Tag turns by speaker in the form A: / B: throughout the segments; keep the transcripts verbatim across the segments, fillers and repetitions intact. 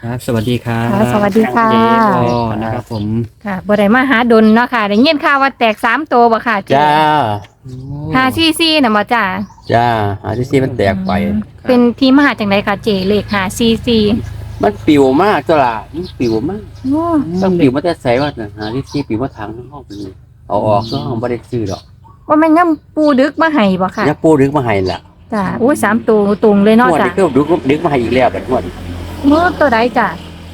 A: ครับสวัสดีครั
B: ค่ะ
A: บ
B: สวัสดีค่ะ
A: เจ๊วอนะครับผม
B: ค่ะบ่ได้มาหาดนเนาะค่ะได้ยินข่าวว่าแตกสามตัวบ่ค่ะเจ๊
C: จ้า
B: หาซี่ซี่น่ะบ่จ้า
C: จ้าหาที่ซีมันแตกไป
B: อืมเป็นที่มาจังไดค่ะเจ๊เลขหาซี่ซี่
C: มันปิวมากตลาดมันปิวมาก
B: โอ้
C: ต้องปิวมาแต่ใส่ว่าน่ะหาที่ซีปิวมาทางทั้งห้องไปเลยเอาออกก็ห้องบ่ได้ซื้อหรอก
B: ว่าแม่นย่ำปูดึกมาให้บ่ค่ะ
C: ยาปูดึกมาให้ล่ะ
B: จ้าโอ้ยสามตัวตรงเลยเนาะ
C: งวด
B: จ้า
C: นี้ก็ดึกดึกมาให้อีกแล้วแบบงวดนี้
B: เมื่อตัวใดจ้าง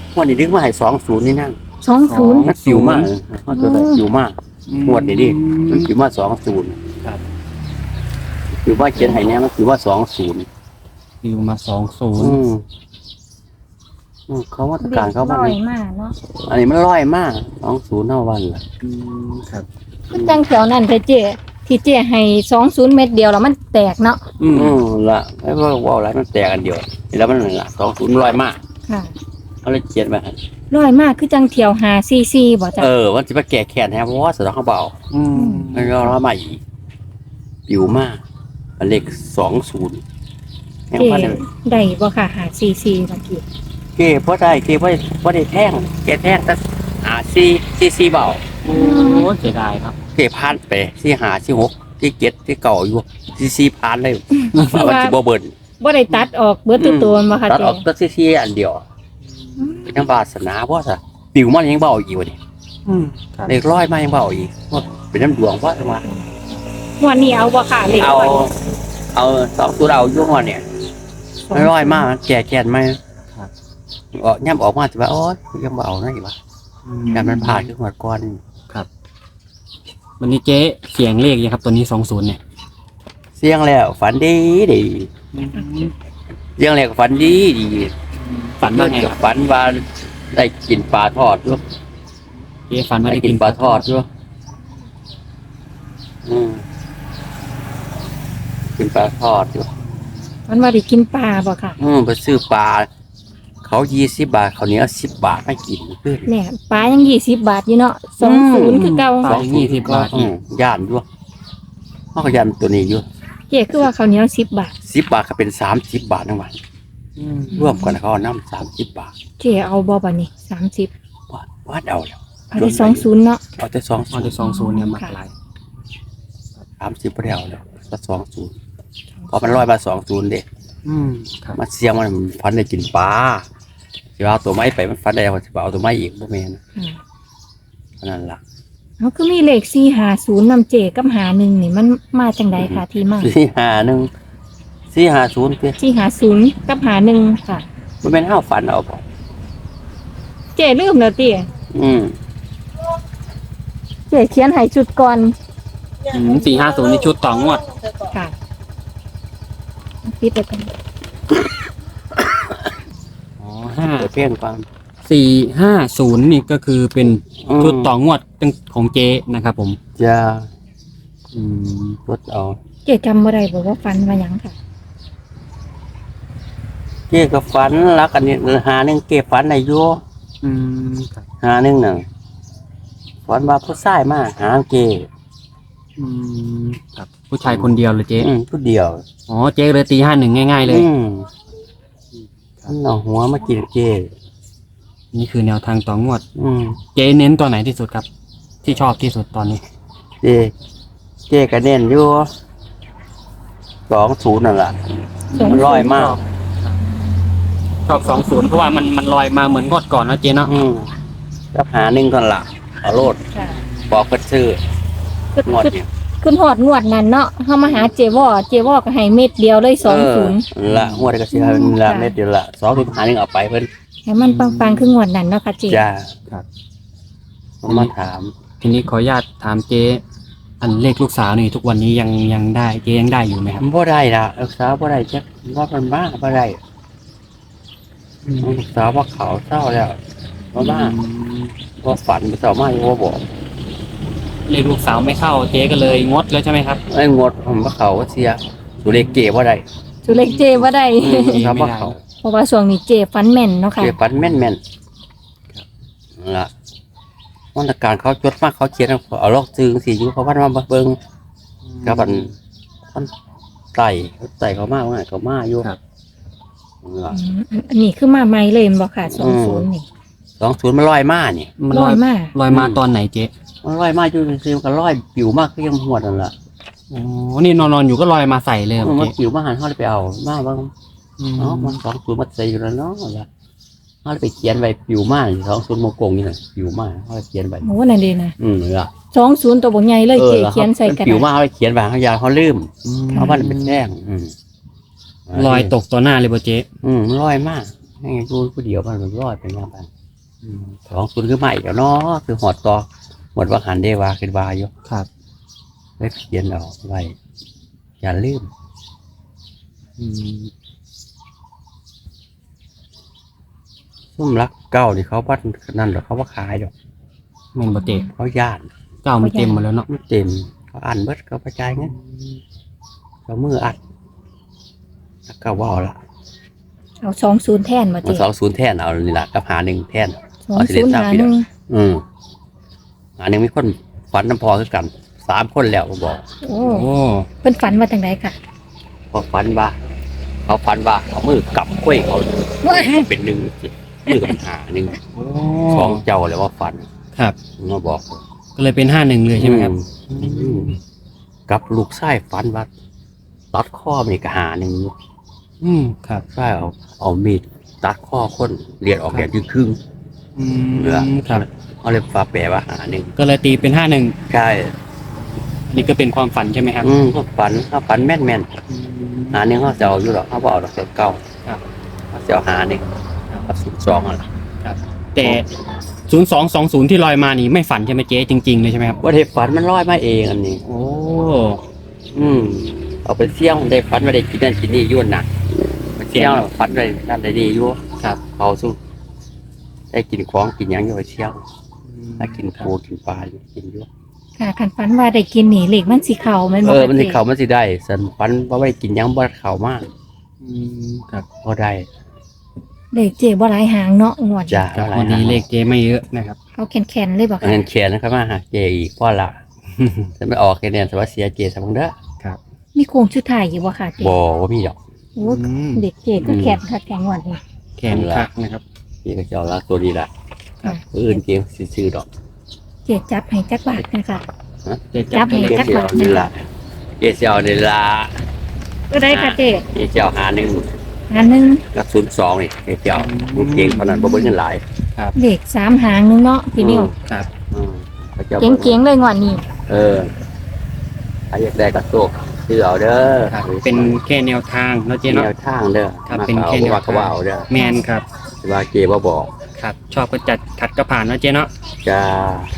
C: วดนี้ดึกมาให้สองศูนย์นี่นั่ง
B: สองศูนย์
C: มันปิวมากมันตัวใดปิวมากงวดนี้ดิมันปิวมาสองศูนย์
A: ครับ
C: ปิวว่าเขียนให้แน่มันปิวว่าสองศูนย์
A: ดิวมาสองศูน
C: อื
A: ย์
C: มอืมเขามาตรการเขา
B: บ่
C: บ้าง
B: อย
C: นี่
B: มากเนาะ
C: อันนี้มันร้อยมากสองศูนย์เท่าวันล่ะ
A: ครับ
B: คือจังแถวนั้นแต่เจ๊ที่เจ๊ให้สองศูนย์เม็ดเดียวแล้วมันแตกเนาะ
A: อืม
C: อืมละไม่ว่าว่าอะไรมันแตกกันเดียวแล้วมันนั่นละสองศูนย์ร้อยมาก
B: ค่ะ
C: เขาเลยเขียนไปให้
B: ร้อยมากคือจังเที่ยวหาซี่ซี่บ่จ้า
C: เออมันจะมาแก่แค้นแฮะเพราะว่าสะดอกเขาเบา
A: อืม
C: มันก็ร้อยมาอีกปิวมากอันเลขสองศูนย์แห่ง
B: เจ๊
C: พันเลย
B: ได้บ่ค่ะหาซี่ซี่เมื่อกี้
C: เก้เพราะได้เก้เพราะเพราะได้แท่งเก้แท่งแต่หาซีซีซีเบา
A: โอ้เสียดายครับ
C: เก้พานไปซีหาซีหกซีเจ็ดซีเก่าอยู่ซีซีพานเลยว่ามันจะบ่เบิ่น
B: บ่ได้ตัดออกเบิดตัวตัวมาค่ะ
C: ตัด
B: เจ๊
C: ออกตัดซีซีอันเดียวเป็นทั้งบาสนาเพราะสะปิวมันยังเบาอีกวะนี่
A: อืมครับ
C: เลขร้อยมายังเบาอีกว่าเป็นน้ำดวงว่ามา
B: วันนี้เอาบ่ค่ะเลข
C: เอา
B: วัน
C: เอาสองตัวเรายุ่งวันเนี่ยไม่ร้อยมากแก่แก่ไหม
A: ครับ
C: ออกย่ำออกมาถือว่าโอ๊ยยังเบาหน่อยวะแต่มันผ่านขึ้นมาก่อน
A: วันนี้เจ๊เสียงเลขยังครับตัวนี้สองศูนย์เนี่ย
C: เสียงแล้วฝันดีดีเสียงแล้วก็ฝันดีดี
A: ฝันว่าไงครับ
C: ฝันว่าได้กินปลาทอดด้วย
A: เจ๊ฝันว่า
C: ได้
A: ได้
C: กิ
A: กิ
C: น
A: น
C: ปลาทอดด้วยอืมกินปลาทอดด้วย
B: มันว่าได้กินปลาบ่ค่ะ
C: อืมไปซื้อปลาเขายี่สิบบาทเขาวเหนี้ยวสิบบาทให้กินเพื่อน
B: แหน่ปลายังยี่สิบบาทอยู่เนาะสองศูนย์คือเก่า
A: สองยี่สิบบาท
C: อืมย่านด้วยเขาก็ย่านตัวนี้อยู่
B: เจ๊คือว่าข้าวเหนียวสิบบาท
C: สิบบาทก็เป็นสามสิบบาททั้งวันร่วมกันเขาเอาน้ำสามสิบบาท
B: เจ๊เอาบ่บัดนี้สามสิบ
C: วัดวัดเอาแล้ว
B: เอาได้สองศูนย์เนาะ
C: เอาแต่สอง
A: อ๋อได้สองศูนย์เนี่ยมากหลาย
C: สามสิบไม่ได้เอาแล้วก็สองศูนย์เพราะมันร้อยมาสองศูนย์เด็ก
A: อืมครับ
C: มันเสียงมันฟันได้กินปลาสิเอาตัวไม้ไปมันฟันได้เอาสิเอาตัวไม้อีกบ่แม่น
B: อืม
C: นั่นล่ะ
B: เอาคือมีเลขสี่ห้าศูนย์นำเจ๊กับหาหนึ่งนี่มันมาจังใดค่ะที่มา
C: สี่ห้าหนึ่งสี่ห้าศูนย์เพื่อ
B: สี่ห้าศูนย์กับหาหนึ่งค่ะ
C: มันเป็นห้าฝันเอาบ่
B: เจ๊ลืมแล้วติ
C: อืม
B: เจ๊เขียนให้ชุดก่อน
A: สี่ห้าศูนย์ในชุดต่องวด
B: ค่ะปิดไปกัน
A: อ๋อห้า
C: เปิดเพลงฟัง
A: สี่ห้าศูนย์นี่ก็คือเป็น
C: อืม
A: ชุดต่องวดของเจ๊นะครับผม
C: จะ
A: อืม
C: รถเอา
B: เจ๊จำบ่ได้บอกว่าฟันมาหยังค่ะ
C: เก้ก็ฝันรักอันนี้หาหนึ่งเก้ฝันในยัว
A: อืมครับ
C: หาหนึ่งหนึ่งฝันว่าผู้ชายมาหาเก้
A: อืมครับผู้ชายคนเดียวเลยเจ๊
C: อืมผู้เดียว
A: อ๋อเจ๊เลยตีห้าหนึ่งง่ายๆเลย
C: อืมมันเอาหัวมากินเก้
A: นี่คือแนวทางต่องวด
C: อืม
A: เจ๊เน้นตัวไหนที่สุดครับ ที่ชอบที่สุดตอนนี้
C: เก้เก้ก็เน้นอยู่สองศูนย์นั่นแหละมันร้อยมาก
A: ชอบสองศูนย์เพราะว่ามันมันลอยมาเหมือนงวดก่อนนะเจ๊เนาะ
C: อืมแล้วหาหนึ่งก่อนละเอาโลด
B: ค่ะ
C: บอกเพิ่นซื้อ
B: ขึ้น
C: งวด
B: ขึ้น
C: เนี่ย
B: ขึ้นหอดงวดนั้นเนาะเฮามาหาเจวอเจวอก็ให้เม็ดเดียวเลยสองศูนย์
C: เออละงวดก็สิให้เป็นละเม็ดเดียวละสองศูนย์หาหนึ่งเอาไปเพิ่น
B: ให้มันปังๆคืองวดนั้นเนาะค่ะเจ
C: จ้า
A: ครับ
C: ผมมาถาม
A: ทีนี้ขออนุญาตถามเจ๊อันเลขลูกสาวนี่ทุกวันนี้ยังยังได้เจ๊ยังได้อยู่ไหมครับ
C: บ่ได้ละลูกสาวบ่ได้จักว่ามันมาบ่ได้ลูกสาวว่าเขาเศร้าแล้วบ่มาบ่ฝันบ่เศร้ามาอยู่บ่บอก
A: เลขลูกสาวไม่เข้าเจ๊ก็เลยงดแล้วใช่ไหมครับ
C: ไอ้งดผมว่าเขาเสียสุเลขเก๋บ่ได้
B: สุเล็กเจบ่ได้
C: อืมครับว่าเขา
B: เพราะว่าช่วงนี้เจฟันแม่นเนาะค่ะ
C: เก๋ฝันแม่นๆนั่นล่ะมาตรการเขาจดมาเขาเขียนเอาลอกซื้อสิอยู่เขาว่ามาเบิ่งกับอันมันไต่เขาไต่เขามาว่าไงเขามาอยู่
A: ครับ
B: อืมอันนี้คือมาใหม่เลยบอกค่ะสองศูนย์นี่
C: สองศูนย์มันลอยมานี่
A: มัน
B: ล
A: ล
B: อ
A: อย ย
B: มาก
A: ลอยมาตอนไหนเจ๊
C: มันลอยมาอยู่ซื่อๆมันก็ลอยปิวมากก็ยังหวดนั่นแหละ
A: อ๋อนี่นอนนอนอยู่ก็ลอยมาใส่เลยเหรอ
C: มัน
A: เจ๊
C: ปิวมาหันเขาเลยไปเอามาบ้าง
A: อืม
C: เนาะมันสองศูนย์มันใส่อยู่แล้วเนาะละเขาเลยไปเขียนไว้ปิวมาสองศูนย์โมกงนี่น่ะปิวมาเขาเลยเขียนไว้
B: โอ้นั่นดีนะ
C: อืมละ
B: สองศูนย์ตัวบกใหญ่เลยเจ
C: แล้ว
B: เขียนใส่กระ
C: ปิว
B: ดา
C: มา
B: ษ
C: เขาเลยเขียนไว้เขายาเขาลืม
A: อืม
C: เพราะว่ามันเป็นแจ้งอืม
A: ลอยตกต่อหน้าเลยบ่เจ๊
C: อืมมันลอยมากนี่ไงดูผู้เดียวมันมันลอยไปยังไงสองศูนย์คือใหม่แล้วเนาะคือหอดต่อหมดว่าหันเดวาคือวาอยู่
A: ครับ
C: ไว้เขียนเอาไว้อย่าลืม
A: อืม
C: ซุ่มรักเก้านี่เขาวัดนั่นหรอกเขาว่าขายดอก
A: แม่นบ่เจ๊
C: เขาย่าน
A: เก้ามันเต็มหมดแล้วเนาะ
C: ไม่เต็มเขาอ่านเบิดเขาประจายเงี้ยเขามืออัดแล้วก็ว่าเอาละ
B: เอาสองศูนย์แทนมาเจ
C: มันสองศูนย์แท่นเอานี่ละกับหาหนึ่งแท่น
B: สองศูนย์หาหนึ่ง
C: อืมหาหนึ่งมีคนฝันน้ำพอคือกันสามคนแล้วผมบอก
B: โอ้
A: โอ้
B: เพิ่นฝันมาทางไหนค่ะ
C: พอฝันว่าเขาฝันว่าเขามือกำกล้วยเขาเป็นหนึ่งมือกับหาหนึ่ง
A: โอ้
C: สองเจ้าเลยว่าฝัน
A: ครับ
C: มาบอก
A: ก็เลยเป็นห้าหนึ่งเลยใช่ไหมครับ
C: อืมกับลูกไส้ฝันว่าตัดข้อมีกหาหนึ่ง
A: อืมครับ
C: ไส้เอาเอามีดตัดข้อคนเลียดออกแดดครึ่ง
A: อื
C: เหลือ
A: มครับ
C: ๆเขาเลยฟ้าแปลว่าหาหนึ่ง
A: ก็เลยตีเป็นห้าหนึ่ง
C: ใช่
A: นี่ก็เป็นความฝันใช่ไหมครับ
C: อืมเขาฝันเขาฝันแม่นแม่น
A: อืม
C: ๆหาหนึ่งเขาจะเอาอยู่หรอกเขาบอกเอาดอกเสือเก้า
A: ครับ
C: เขาจะเอาหาหนึ่งกับสิบสองอะไร
A: แต่ศูนย์สองสองศูนย์ที่ลอยมานี่ไม่ฝันใช่ไหมเจ๊จริงๆเลยใช่ไหมครับ
C: ว่าได้ฝันมันลอยมาเองอันนี้
A: โอ้
C: อืมเอาไปเสี่ยงได้ฝันว่าได้กินนั่นกินนี่ยุ่นนะไปเสี่ยงฝันได้นั่นได้ดีอยู่
A: ครับ
C: เขาสู้ได้กินของกินหยังอยู่ไปเสี่ยงได้กิน
A: ครับ
C: ปูกินปลาอยู่กินอยู่
B: ค่ะคันฝันว่าได้กินนี่เหล็กมันสีเข่าแมันบอ
C: เอก อ
B: ค่ะ
C: มันสิ
B: เจ
C: เขามันสิได้สันฝันว่าไม่ได้กินหยังบ่เข้ามาก
A: อืมครับ
C: พอได้
B: เหล็กเจบ่หลายหางเนาะงวด
C: จ้า
A: ครับวันนี้เลขเจ๊ไม่เยอะนะครับ
B: เอาแคนๆเลยบอก
C: เงิ
B: ค่ะ
C: นเขียนนะครับมาหาเจอีกพ่อละจะไม่ออกแค่เนี่ยแต่ว่าเสียเจสมองเด้อ
B: มีโครงชุดไทายอยู่บ่ค่ะเจ
C: บ่ว่ามีดอก
B: โอ้เด็กเจก็แคนค่ะแคนงวดนี่
A: แขนคักนะครับ
C: เจก็จะเอาละตัวดีละ
B: ค่ะ
C: ผู้อื่นเกมซื้อๆดอก
B: เจจับให้จักบาทนะคะ
A: เจ๊
B: จั
A: จั
B: บบ ให้
C: เจ
B: จัก
C: เสีย
B: บาท
C: นี่ละเจเสียนี่ละ
B: ก็ได้ค่ะเจ
C: เจเสียหาหนึ่ง
B: อันหนึง
C: กับศูนย์สองนี่เจเสียลูกเก่งเพราะนั้นบ่เบิ่งเงินหลาย
B: เหล็กสามหางนึงเนาะพี่นิว
A: ครับ
C: อืมเขาจะ
B: เจ๋งๆเลยงวดนี้
C: เออใครอยากได้ก็โตกซื้อเอาเด้อ
A: ครับ เป็นแค่แนวทางเนาะเจ๊
C: แน
A: เนาะ
C: วทางเด้อ
A: ครับ
C: มา
A: เป็น
C: เขา
A: แค่แนว
C: ว่า
A: ทาง
C: เขาว่าเอาเด้อ
A: แมนครับ
C: ว่าเจบ่บอก
A: ครับ ชอบก็จัดขัดก็ผ่านเนาะเจ๊เนาะ
C: จ้า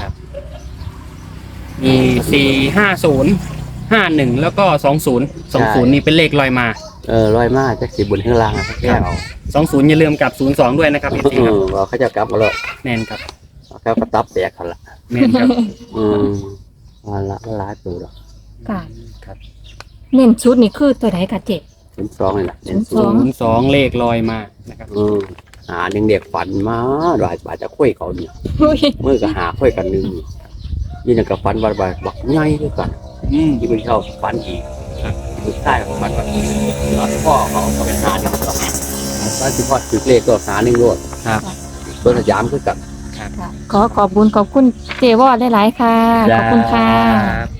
A: มีสี่ห้าศูนย์ห้าหนึ่งแล้วก็สองศูนย์สองศูนย์นี่เป็นเลขลอยมา
C: เออร้อยมากจักสิบนข้างล่างอะเขาแก้ว
A: สองศูนย์อย่าลืมกับศูนย์สองด้วยนะครับพี่
C: เอ
A: ครับ
C: อเราเขาจะกลับมาเลย
A: แมนครับ
C: เขาแค่กระตับแตกเขาละ
A: แมนครับ
C: อืมวันละละหลายตัวหรอก
B: ค่ะ
A: ครับ
B: เน้นชุดนี่คือตัวไหนค่ะเจ
C: ศูนย์สองนี่แหละ
B: ศูนย์ส
A: ศู
B: อง
A: นย์สองเลขลอยมานะครับ
C: อืมหาหนึ่งเด็กฝันมาหลายบาทจะคุยเขาเนี่ย
B: อุ้ย
C: มือก็หาคุยกันหนึ่งยี่นั่นกับฝันว่าบาบักใหญ่ด้วยกัน
A: อืม
C: ที่เป็นเข้าฝันอีกคือใต้ของฝันว่าหลอดพ่อเขาเขาเป็นหาหนึ่งสองถ้าที่พ่อถือเลขก็หาหนึ่งโลด
A: ครับ
C: เบอร์สยามคือกัน
B: ค่ะขอขอบคุณขอบคุณเจวอดหลายๆค่ะ ขอบคุณค่ะ
A: ครับ